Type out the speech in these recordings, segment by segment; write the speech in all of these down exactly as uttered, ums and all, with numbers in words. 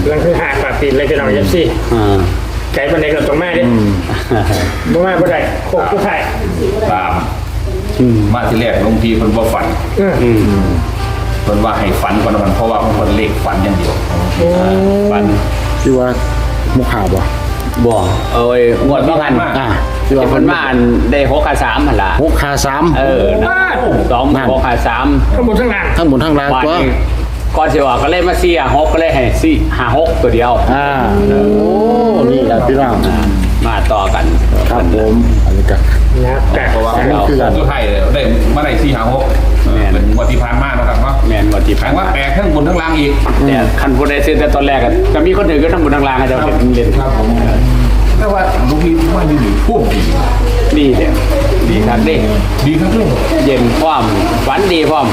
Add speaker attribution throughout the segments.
Speaker 1: ลังคือหาปากติดเลยพี่น้องยับซี่ไก่ปันเด็กเราตรงแม่ดิบ่มาบ่ได้โคกผู้ไทย
Speaker 2: ตามมาที่แรกลงทีคนบ่ฝันคนว่าให้ฝันก่อนวันเพราะว่าคนเล็กฝันอย่างเดียวฝัน
Speaker 3: ที่ว่ามุขาบ่
Speaker 4: บ่เอ้ยงวดว่ากันอ่าที่ว่าคนบ้านได้หกขาสามหั่นล่ะ
Speaker 3: หกขาสาม
Speaker 4: เออสองหกขาสาม
Speaker 1: ทั้งหมดทั้งล่าง
Speaker 3: ทั้งหมดทั้งล่างตัว
Speaker 4: ก่อนสิว่าก็เลยมาสี่หกก็เลยให้สี่ห้าหกตัวเดียว
Speaker 3: อ่าโอ้นี่แหละพี่น้อง
Speaker 4: มาต่อกัน
Speaker 3: ครับผมอันนี้ก็
Speaker 1: นะแต่
Speaker 2: เพราะว่าเราตัวไทยได้มาได้สี่ห้าหกเป็นวัติพานมากนะครับเนาะ
Speaker 4: แมนวัติพาน
Speaker 2: ว่าแปลกทั้งบนทั้งล่างอีก
Speaker 4: แต่คันพูดได้ซื้อแต่ตอนแรกก็มีคนอื่นก็ทั้งบนทั้งล่างอาจจะเล่น
Speaker 2: ครับผมแต่ว่าลูกพี่ว่าอยู่ดีพวกดี
Speaker 4: ดีเลยดีครับดี
Speaker 2: ดีครับเลย
Speaker 4: เย็นพร้อมฝันดีพร้อม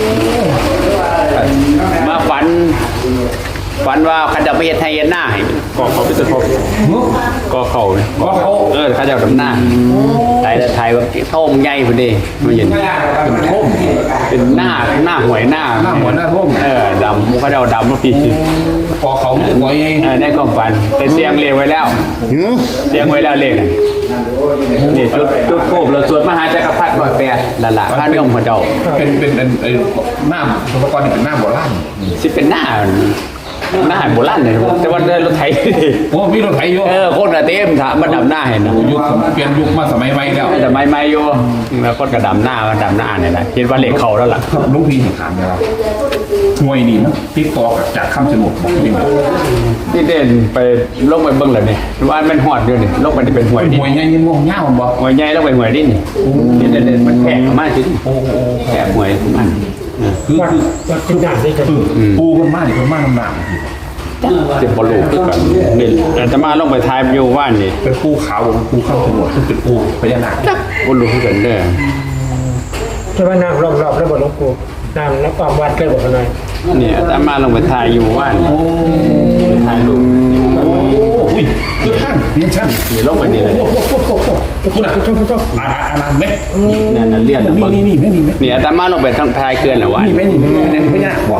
Speaker 4: มาฝันฝันว่าเขาจะไปเฮ็ดไทยเย็นหน้าให้ก็เขาไปสุดพอก็เขาก็เขาเออเขาจะดำหน้าไทยไทยแบบท่มใหญ่พอดีมันเย็นเป็นท่มเป็นหน้าหน้าหวยหน้า
Speaker 2: หน้าหวยหน้าท่ม
Speaker 4: เออดำเขาจะดำมาปี
Speaker 2: พอเขาหวย
Speaker 4: เออได้ความฝันเป็นเสียงเรียงไว้แล้วเสียงไว้แล้วเลขนี่จุดจุดโคบเราสวดมหาจักรพรรดิร้อยแปดละละพระนิยมพระเจ้า
Speaker 2: เป็นเป็นไอ้หน้าสุภกรนี่เป็นหน้าโบราณ
Speaker 4: สิเป็นหน้าหน้าโบราณเลยแต่ว่าได้รถไถ
Speaker 2: โอ้มีรถไถอยู่
Speaker 4: เออคนกระเต็มถามมาดำหน้าเห็นนะ
Speaker 2: ยุคเปลี่ยนยุคมาสมัยใหม่แล้ว
Speaker 4: สมัยใหม่อยู่แล้วคนกระดำหน้ามาดำหน้าเนี่ยนะเห็นว่าเหล็กเขาแล้วล่ะ
Speaker 2: ลูกพี่ถามนะครับหวยนี่นะติ๊กตอกจากคำสนุกบอกจริง
Speaker 4: ที่เด่นไปลงไปเบิ้งเลยเนี่ยว่ามันหอดด้วยนี่ลงไปจะเป็นหวยดิ
Speaker 2: หวยใหญ่ยังงงเงาบอก
Speaker 4: หวยใหญ่ลงไปหวยดินี่ที่เด่นมันแผงมากจริงแผงหวยมัน
Speaker 2: คือคือคือหนักได้กันปูคนมากคนมากหนัก
Speaker 4: เจ็บบอลลูกกันนี่แต่จะมาลงไปทายอยู่ว่านนี่
Speaker 2: เป็นปูขาวเป็นปูข้าวสมุทรซึ่งเป็นปูพญานาค
Speaker 4: บอลลูกกันเด้อ
Speaker 1: จะว่าน้ำรอบๆแล้วบอลลูกปูน้ำแล้วความวัดเลยบอกกันหน่อย
Speaker 4: นี่จะมาลงไปทายอยู่ว่านทายลูก
Speaker 2: โอ้ยคือท่านเรียนช่าง
Speaker 4: นี่ลงไปนี่เลย
Speaker 2: คุณอ่ะคุณคุณอาอานาไหม
Speaker 4: นั่นนั่นเรียน
Speaker 2: นี่นี่นี่นี่
Speaker 4: นี่จะมาลงไปทางทายเคลื่อนหรอวะ
Speaker 2: นี่ไม่นี่นี่ไม่ยากบอก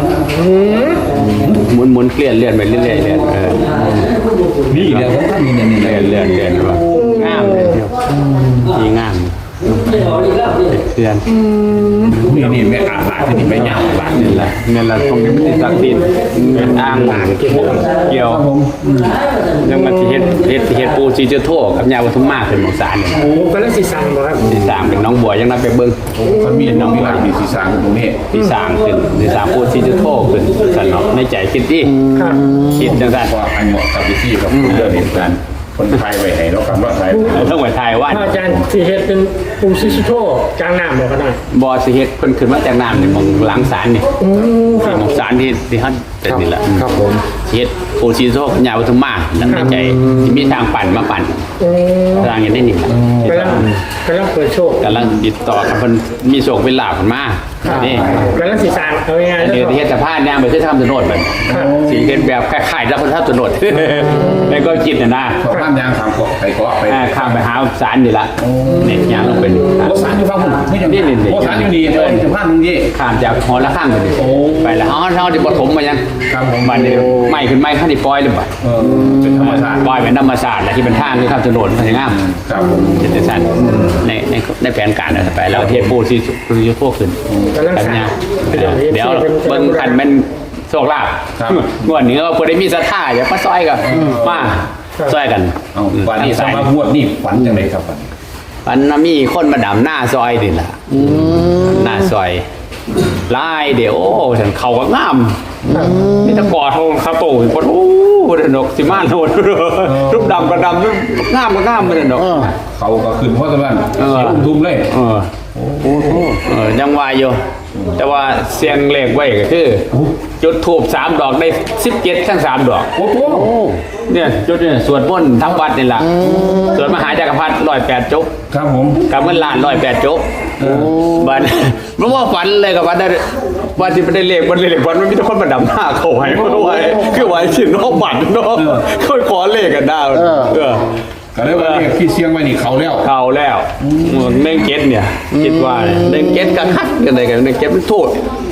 Speaker 4: หมุนหมุนเคลื่อนเลื่อนไปเรื่อยๆเรื่อยเออ
Speaker 2: นี่เดี๋ยวท่านนี่นี่
Speaker 4: เลื่อนเลื่อนเลื่อนว่างามเลยดีงามเพื่อน
Speaker 2: นี่นี่ไม่อาบน้ำที่นี่ไม่ยาวบ้าน
Speaker 4: นี่แหละนี่แหละตรงนี้มันติดสักดินเป็นอ่างเกี่ยวยังมันที่เฮ็ดเฮ็ดที่เฮ็ดปูซีเจโต้กับยาวัฒมาเป็นหมอกสารเนี่ย
Speaker 1: โอ้ก็เล่นสีสังบ่ครับ
Speaker 4: สีสังเป็นน้องบัวยังนับไปเบิ้ง
Speaker 2: มันมีน้องบัวมีสีสังตรงนี้
Speaker 4: สีสังเป็นสีสังปูซีเจโต้เป็นสันเนาะในใจคิดดิคิดจังสัน
Speaker 2: ว่าอันเหมาะกับวิธีกับเรื่องนี้กันคนไทยไว้ให้เราคำว่าไทย
Speaker 4: ต้องไว้ไทยว่า
Speaker 1: อาจารย์สีเฮ็ดเป็นปูซิชิโต้กลางน้ำบอกกันหน่อย
Speaker 4: บอสีเฮ็ดเพิ่นขึ้นมาจากน้ำเนี่ยมองหลังศาลเนี่ยที่มองศาลที่ที่ฮั่นเป็นนี่แหละ
Speaker 3: ครับผม
Speaker 4: เฮ็ดปูซีโต้ยาวัฒมาหลังในใจมีทางปั่นมาปั่นทางอย่างนี้นี่
Speaker 1: กำลังกำลังเปิดโชค
Speaker 4: กำลังติดต่อกับเพิ่นมีโชคเป็นลาภขึ้นมา
Speaker 1: นี่กำลังสีสังเอาง่ายๆ
Speaker 4: เดี๋ยวที่เฮ็ดสะพานย่างไปคือทำถนนมันสีเฮ็ดแบบคล้ายๆแล้วคนทำถนนแล้วก็คิดน่ะนะ
Speaker 2: สะพานยางข้ามเกาะไปเกาะไป
Speaker 4: ข้ามไปหาศาลนี่ล่ะนี่ย่างลงเป็น
Speaker 2: โอ้ศาลอยู่ฝั่งนู้นไม่ใช่นี่ๆโอ้ศาลอยู่นี่เออสะพานตรงนี้
Speaker 4: ข้ามจากหอละข้างไปนี่ไปแล้วเฮาเฮาสิบ่ถมมายัง
Speaker 2: ครับผม
Speaker 4: บัดนี้ใหม่ขึ้นใหม่คั่นสิปล่อยเลยบัด
Speaker 2: เออเป็นธรรมชาติ
Speaker 4: ปล่อยเป็นธรรมชาติแล้วที่เป็นทางคือข้ามถนนมันสิงาม
Speaker 2: ครับผม
Speaker 4: เป็นซั่นในในในแผนการน่ะไปแล้วเฮ็ดปูสิอยู่ทั่วขึ้นกันยาเดี๋ยวเบิ่งกันมันโชคลาภงวดนี้ว่าผู้ใดมีศรัทธาอย่ามาซอยกันมาซอยกัน
Speaker 2: เอาวันนี้สมาบวชนี่ฝันจังได๋ครับ
Speaker 4: ฝันฝันมีคนมาดำหน้าซอยนี่ล่ะหน้าซอยลายเดี๋ยวฉันเข้าก็งามนี่ตะกอดเขาเขาโตอีกคนโอ้ดอกสิมาโนดรูปดำกระดำรูปงามก็งามเลยดอก
Speaker 2: เขาก็ขึ้นเพราะตะวันอุ้มทุ่มเลย
Speaker 4: เออโอ้โหเออยังวายอยู่แต่ว่าเสียงเลขไว้ก็คือจุดทูบสามดอกได้สิบเจ็ดทั้งสามดอก
Speaker 2: โอ้โห
Speaker 4: เนี่ยจุดเนี่ยสวดมนต์ทั้งวัดนี่แหละสวดมหาจักรพรรดิร้อยแปดจุก
Speaker 2: ครับผม
Speaker 4: กับเงินล้านร้อยแปดจุกบันเมื่อว่าฝันเลยกับวันได้วันที่ไม่ได้เลขวันเลขวันมันมีทุกคนมาดำหน้าเขาไว้เพราะว่าคือไว้ชิ้นนอกบัตรนอกเขาขอเลขกันได้เออ
Speaker 2: ก็เลยว่าเลขที่เสียงไว้นี่เขาแล้ว
Speaker 4: เขาแล้วเน่งเก็ตเนี่ยคิดว่าเน่งเก็ตกับคัดกันอะไรกันเน่งเก็ตมันโทษ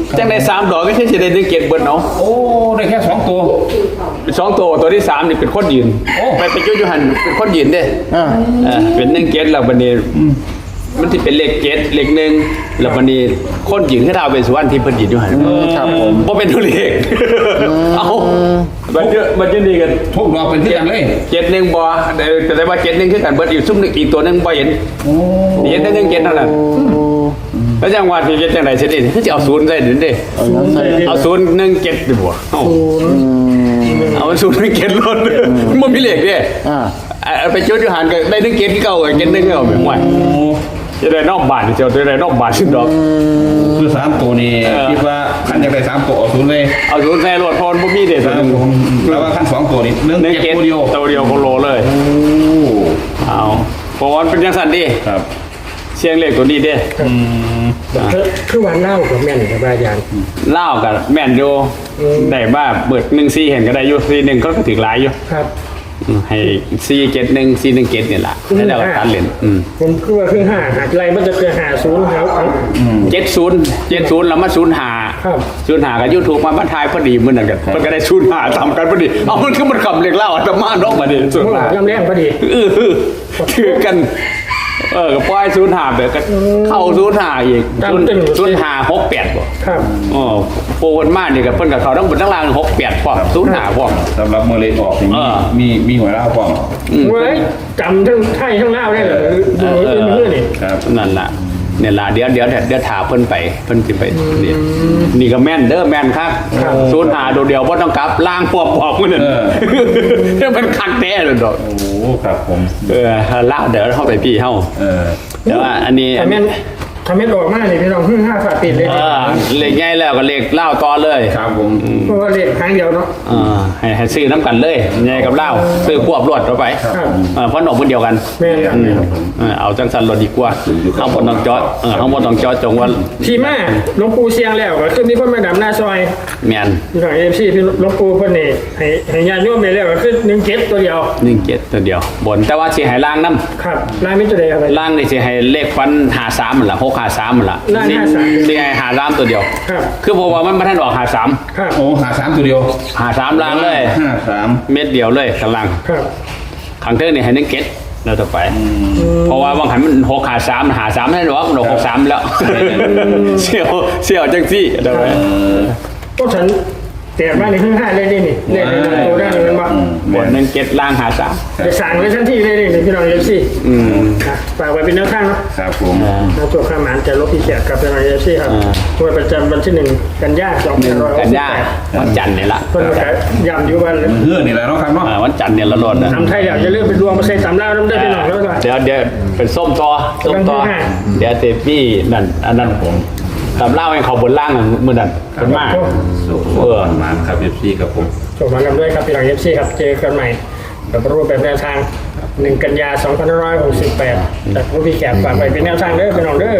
Speaker 4: จังได้สามดอกก็ใช่จะได้หนึ่งเกตเบิร์ดเนาะ
Speaker 2: โอ้ได้แค่สองตัว
Speaker 4: สองตัวตัวที่สามนี่เป็นคนยืน
Speaker 2: โอ้
Speaker 4: ไปไปจุจุหันเป็นคนยืนเด้
Speaker 3: อ่า
Speaker 4: เออเป็นหนึ่งเกตแล้วบันนี้มันที่เป็นเลขเกตเลขหนึ่งแล้วบันนี้คนยืนให้เราเป็นสุวรรณที่เพิ่นยืนอยู่หัน
Speaker 3: ครับผม
Speaker 4: เพราะเป็นตัวเลขเอาบันเยอะบันเยอะดีกัน
Speaker 2: ทุกดอกเป็นที่กันเลย
Speaker 4: เกตหนึ่งบ่แต่แต่ได้ว่าเกตหนึ่งคือกันเบิร์ดอยู่ซุ่มหนึ่งอีกตัวหนึ่งบ่เห็น
Speaker 2: โอ้
Speaker 4: เห็นแต่หนึ่งเกตเท่านั้นแล้วจังหวัดที่เกตจังไหนเสร็จนี่คือจะเอาศูนย์ได้หรือเด้
Speaker 3: เอางั้นใส่
Speaker 4: เอาศูนย์หนึ่งเกตดีบ่เอา เอาศูนย์หนึ่งเกตรถมันมีเหล็กเด้
Speaker 3: อ่า
Speaker 4: อ่าไปจุดอยู่หันก็ได้หนึ่งเกตที่เก่าเกตหนึ่งเก่าเหมือนว่าจะได้นอกบ้านจะจะได้นอกบ้านสิดอก
Speaker 2: คือสามตัวนี่คิดว่าขั้นอยากได้สามตัวเอาศูนย์เลย
Speaker 4: เอาศูนย์ใส่รถพรบ่มีเด้
Speaker 2: ค
Speaker 4: ตัว
Speaker 2: รับ
Speaker 4: นึง
Speaker 2: ผมแล้วว่าขั้นสองตัวนี่เรื่อง
Speaker 4: หนึ่ง
Speaker 2: เก็บ
Speaker 4: เกต
Speaker 2: ตัวเดียว
Speaker 4: ตัวเดียวโคโลเลย
Speaker 2: โอ้
Speaker 4: เอาเพราะว่าเป็นจังซั่นดิ
Speaker 2: ครับ
Speaker 4: เสียงเลขตัวนี้เด้
Speaker 2: อืม
Speaker 1: คือคือวันเล่ากับแม่นกับอาจารย์
Speaker 4: เล่ากับแม่นอยู่ได้บ้าเบิดหนึ่งซีเห็นก็ได้อยู่ซีหนึ่งก็ถึงหลายอยู่
Speaker 1: ครับ
Speaker 4: อืมให้ซีเกตหนึ่งซีหนึ่งเกตนี่แหละให้ได้กับตันเหรียญอืม
Speaker 1: ผมคือว่าคือห้าหาไรมันจะคือหาศูนย์ครับ
Speaker 4: เจ็ดศูนย์เจ็ดศูนย์แล้วมาศูนย์หา
Speaker 1: ครับ
Speaker 4: ศูนย์หากับยูทูบมาบรรทายพอดีมือนั่นกันมันก็ได้ศูนย์หาทำกันพอดีเอามันคือมันขับเรียกเล่าอัตมานอกมาดิศูนย์หา
Speaker 1: ลำแรงพอดี
Speaker 4: เออถือกัน เออก็ปล่อยศูนย์หาแบบก็เข้าศูนย์หาอีกศูนย์ศูนย์หาหกแปดบ่
Speaker 1: ครับ
Speaker 4: อ๋อโปรคนมากนี่กับเพิ่นกับเขาต้องบนทั้งล่างหกแปดพร้อมศูนย์หาพร้อม
Speaker 2: สำหรับเมื่อเลขออกนี่
Speaker 4: เออ
Speaker 2: มีมีหัวล่าป้อง
Speaker 1: เว้ยจำทั้งไทยทั้งเล่าได้เหรอดูเป็นเพื่อนนี่
Speaker 2: ครับ
Speaker 4: นั่นล่ะเนี่ยล่ะเดี๋ยวเดี๋ยวเดี๋ยวถาเพิ่นไปเพิ่นสิไปนี่นี่ก็แม่นเด้อแม่นครับศูนย์หาตัวเดียวบ่ต้องกลับล่างปอบปอบมื้อนั่นเออมันคักแท้เลยดอก
Speaker 2: โอ้ครับผม
Speaker 4: เออละเดี๋ยวเข้าไปพี่เฮา
Speaker 2: เออ
Speaker 4: แต่ว่าอันนี้
Speaker 1: ทำแม่นทำแม่นออกมาเลยพี่น้องพึ่งห้าฝาปิดเลย
Speaker 4: เออเลขใหญ่แล้วก็เลขเล่าต่อเลย
Speaker 2: ครับผม
Speaker 1: เพราะว่าเลขครั้งเดียวเนาะ
Speaker 4: เออให้ให้ซื้อน้ำกันเลยใหญ่กับเล่าซื้อควบรวดเข้าไป
Speaker 1: ครับ
Speaker 4: เออเพราะหนอกมันเดียวกัน
Speaker 1: แม่นครับ
Speaker 4: อืมเออเอาจังสันรถดีกว่าข้างบนต้องจอดเออข้างบนต้องจอดจงว่า
Speaker 1: ทีแม่หลวงปู่เสียงแล้วก็คือมีคนมาดำหน้าซอย
Speaker 4: แมน
Speaker 1: พี่น้องเอฟซีพี่หลวงปู่เพิ่นนี่ให้ให้ญาติโยมไปแล้วก็คือหนึ่งเก็บตัวเดียว
Speaker 4: หนึ่งเจ็ดตัวเดียว บนแต่ว่าสิให้ล่างน้
Speaker 1: ครับลายมิตรเดย์ครับ
Speaker 4: ำล่างนี่สิให้เลขฟันหาสามมันละหกหาสามมันละ
Speaker 1: ล่าง
Speaker 4: สิ
Speaker 1: ห้าสาม
Speaker 4: สิให้หาสามตัวเดียว
Speaker 1: ครับ
Speaker 4: คือเพราะว่ามันมาท่านออกหาสาม
Speaker 1: ครับ
Speaker 2: โอ้หาสามตัวเดียว
Speaker 4: หาสามล่างเลย
Speaker 2: ห้าสาม
Speaker 4: เม็ดเดียวเลยข้างล่าง
Speaker 1: ครับ
Speaker 4: ขังเทิงนี่ให้หนึ่งเก็ตแล้วต่อไป เพราะว่าบางหันมันหกหาสามหาสามไม่ได้หรอกมันหกสามแล้วเสี่ยวเสี่ยวจังซี่เดี๋ยวไป
Speaker 1: ก็ฉันแต่มาในพึ่งห้าเลยนี่นี่เลขในตัวได้เลยมั้ง
Speaker 4: บนหนึ่งเก็ตล่างหาสาม
Speaker 1: จะสั่งไว้ทันทีเลยนี่พี่น้องเอฟซี
Speaker 4: อืม
Speaker 1: ฝากไว้เป็นแนวทางเนาะ
Speaker 2: ครับผม
Speaker 1: นะตัวข้ามหมานจะลบพี่แขกกับพี่น้องเอฟซีครับวันประจำวันที่หนึ่งกันยาสองพันร้อย
Speaker 4: กันยาวันจันทร์เนี่ยละ
Speaker 1: เพิ่นก็ย้ำอยู่วัน
Speaker 2: เฮือนี่แหละเนาะครับเนาะ
Speaker 4: อ่าวันจันทร์เนี่ยละรถนะ
Speaker 1: ทำไทยอยากจะเลื่อนเป็นรวมมาใส่สามเล่าน้ำได้พี่น้องแล้วก็
Speaker 4: เดี๋ยวเดี๋ยวเป็นส้มต่อส้มต่อ
Speaker 1: เป็นที่ห้า
Speaker 4: เดี๋ยวเตปี้นั่นอันนั้นผมตำเล่าให้เขาบนล่างมือนั่นเป็นมาก
Speaker 2: สุขเออมาครับเอฟซีครับผม
Speaker 1: ส่งมากันด้วยครับพี่น้องเอฟซีครับเจอกันใหม่กับรูปแบบแนวทางหนึ่งกันยาสองพันห้าร้อยหกสิบแปดจากผู้พี่แขกฝากไว้เป็นแนวทางเด้อพี่น้องเด้อ